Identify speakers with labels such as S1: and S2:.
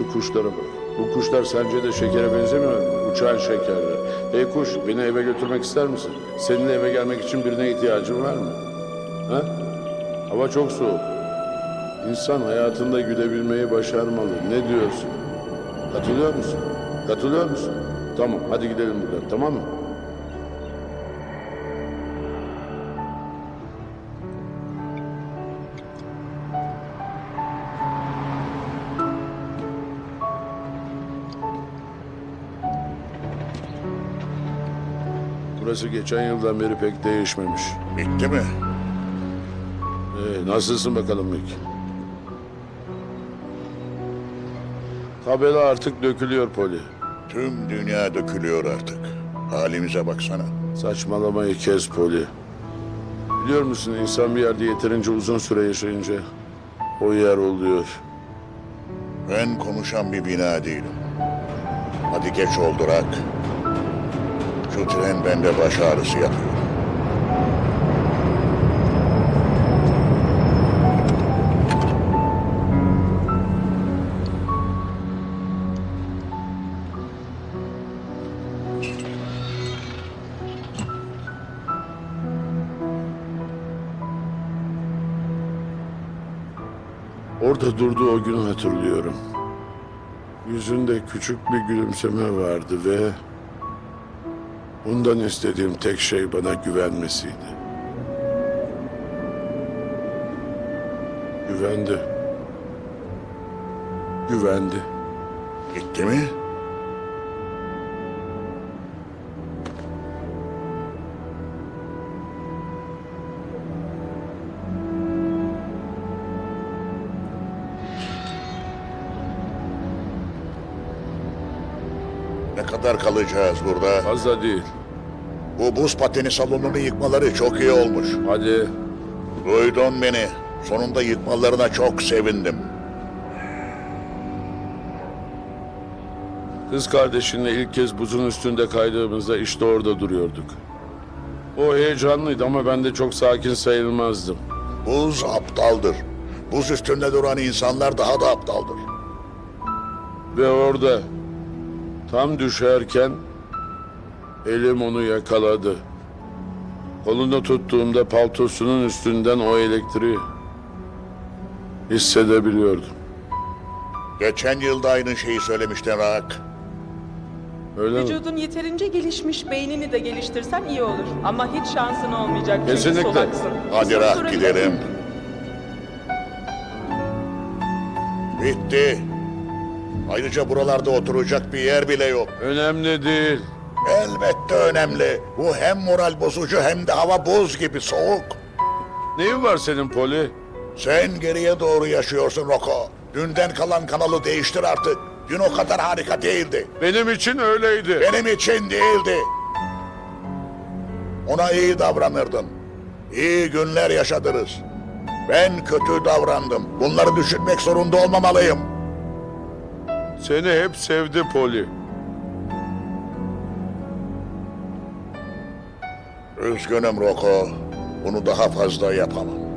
S1: Şu kuşlara bak. Bu kuşlar sence de şekere benzemiyor mu? Uçan şekerler. Hey kuş, beni eve götürmek ister misin? Seninle eve gelmek için birine ihtiyacın var mı? Ha? Hava çok soğuk. İnsan hayatında gülebilmeyi başarmalı. Ne diyorsun? Katılıyor musun? Katılıyor musun? Tamam, hadi gidelim buradan, tamam mı? Burası geçen yıldan beri pek değişmemiş.
S2: Bitti mi?
S1: Nasılsın bakalım Mick? Tabela artık dökülüyor Poli.
S2: Tüm dünya dökülüyor artık. Halimize baksana.
S1: Saçmalamayı kes Poli. Biliyor musun insan bir yerde yeterince uzun süre yaşayınca o yer oluyor.
S2: Ben konuşan bir bina değilim. Hadi geç oldu Rak. Şu tren bende baş ağrısı yapıyor.
S1: Orada durduğu o günü hatırlıyorum. Yüzünde küçük bir gülümseme vardı ve ondan istediğim tek şey bana güvenmesiydi. Güvendi. Güvendi.
S2: Gitti mi? Ne kadar kalacağız burada?
S1: Fazla değil.
S2: Bu buz pateni salonunu yıkmaları çok iyi olmuş.
S1: Hadi.
S2: Duydun beni. Sonunda yıkmalarına çok sevindim.
S1: Kız kardeşinle ilk kez buzun üstünde kaydığımızda işte orada duruyorduk. O heyecanlıydı ama ben de çok sakin sayılmazdım.
S2: Buz aptaldır. Buz üstünde duran insanlar daha da aptaldır.
S1: Ve orada tam düşerken elim onu yakaladı. Kolunu tuttuğumda paltosunun üstünden o elektriği hissedebiliyordum.
S2: Geçen yılda aynı şeyi söylemiştin Rak.
S1: Öyle mi?
S3: Vücudun yeterince gelişmiş, beynini de geliştirsen iyi olur. Ama hiç şansın olmayacak çünkü
S1: Kesinlikle.
S3: solaksın.
S2: Hadi
S3: Soru
S2: Rak
S3: sorabilir
S2: gidelim.
S3: miyim?
S2: Bitti. Ayrıca buralarda oturacak bir yer bile yok.
S1: Önemli değil.
S2: Elbette önemli. Bu hem moral bozucu hem de hava buz gibi soğuk.
S1: Neyin var senin Poli?
S2: Sen geriye doğru yaşıyorsun Roko. Dünden kalan kanalı değiştir artık. Dün o kadar harika değildi.
S1: Benim için öyleydi.
S2: Benim için değildi. Ona iyi davranırdın. İyi günler yaşadınız. Ben kötü davrandım. Bunları düşünmek zorunda olmamalıyım.
S1: Seni hep sevdi Poli.
S2: Üzgünüm Roko. Bunu daha fazla yapamam.